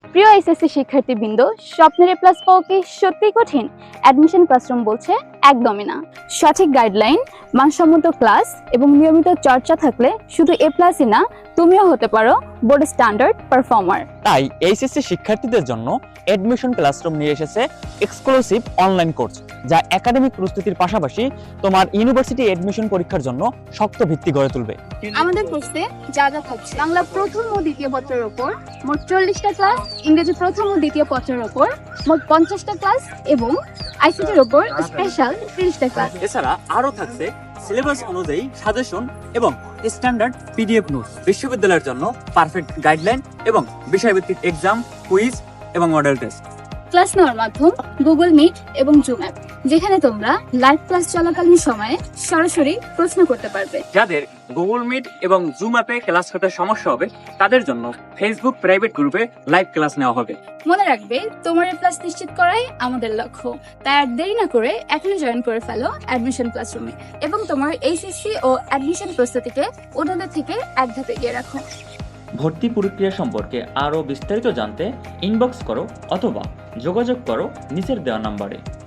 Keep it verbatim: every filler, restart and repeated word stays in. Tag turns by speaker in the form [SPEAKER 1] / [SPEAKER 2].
[SPEAKER 1] প্রিয় এইচএসসি শিক্ষার্থীবৃন্দ, স্বপ্নের এ প্লাস পাওয়া কি সত্যিই কঠিন? অ্যাডমিশন ক্লাসরুম বলছে একদমই না। সঠিক গাইডলাইন, মানসম্মত ক্লাস এবং নিয়মিত চর্চা থাকলে শুধু এ প্লাসই না, তুমিও হতে পারো বোর্ড স্ট্যান্ডার্ড পারফর্মার।
[SPEAKER 2] তাই এইচএসসি শিক্ষার্থীদের জন্য অ্যাডমিশন ক্লাসরুম নিয়ে এসেছে এক্সক্লুসিভ অনলাইন কোর্স, যা একাডেমিক প্রস্তুতির পাশাপাশি তোমার ইউনিভার্সিটি অ্যাডমিশন পরীক্ষার জন্য শক্ত ভিত্তি গড়ে তুলবে।
[SPEAKER 1] আমাদের কোর্সে যা যা থাকছে: বাংলা প্রথম ও দ্বিতীয় পত্রের ওপর মোট চল্লিশটা ক্লাস, ইংরেজি প্রথম ও দ্বিতীয় পত্রের ওপর মোট পঞ্চাশটা ক্লাস এবং আইসিটির ওপর স্পেশাল ত্রিশটা ক্লাস।
[SPEAKER 2] এছাড়া আরো থাকছে সিলেবাস অনুযায়ী সাজেশন এবং স্ট্যান্ডার্ড পিডিএফ নোটস, বিশ্ববিদ্যালয়ের জন্য পারফেক্ট গাইডলাইন এবং বিষয়ভিত্তিক এক্সাম, কুইজ এবং মডেল টেস্ট।
[SPEAKER 1] ক্লাস নেওয়ার মাধ্যম গুগল মিট এবং জুম অ্যাপ, যেখানে তোমরা লাইভ ক্লাস চলাকালীন সময়ে সরাসরি প্রশ্ন করতে পারবে।
[SPEAKER 2] যাদের গুগল মিট এবং জুম অ্যাপে ক্লাস করতে সমস্যা হবে, তাদের জন্য ফেসবুক প্রাইভেট গ্রুপে লাইভ ক্লাস নেওয়া হবে।
[SPEAKER 1] মনে রাখবে, তোমার এ প্লাস নিশ্চিত করাই আমাদের লক্ষ্য। তাই আর দেরি না করে এখনই জয়েন করে ফেলো অ্যাডমিশন ক্লাসরুমে এবং তোমার এইচএসসি ও অ্যাডমিশন প্রস্তুতিকে অন্যদের থেকে এক ধাপে এগিয়ে রাখো।
[SPEAKER 3] ভর্তি প্রক্রিয়া সম্পর্কে আরও বিস্তারিত জানতে ইনবক্স করো অথবা যোগাযোগ করো নিচের দেওয়া নাম্বারে।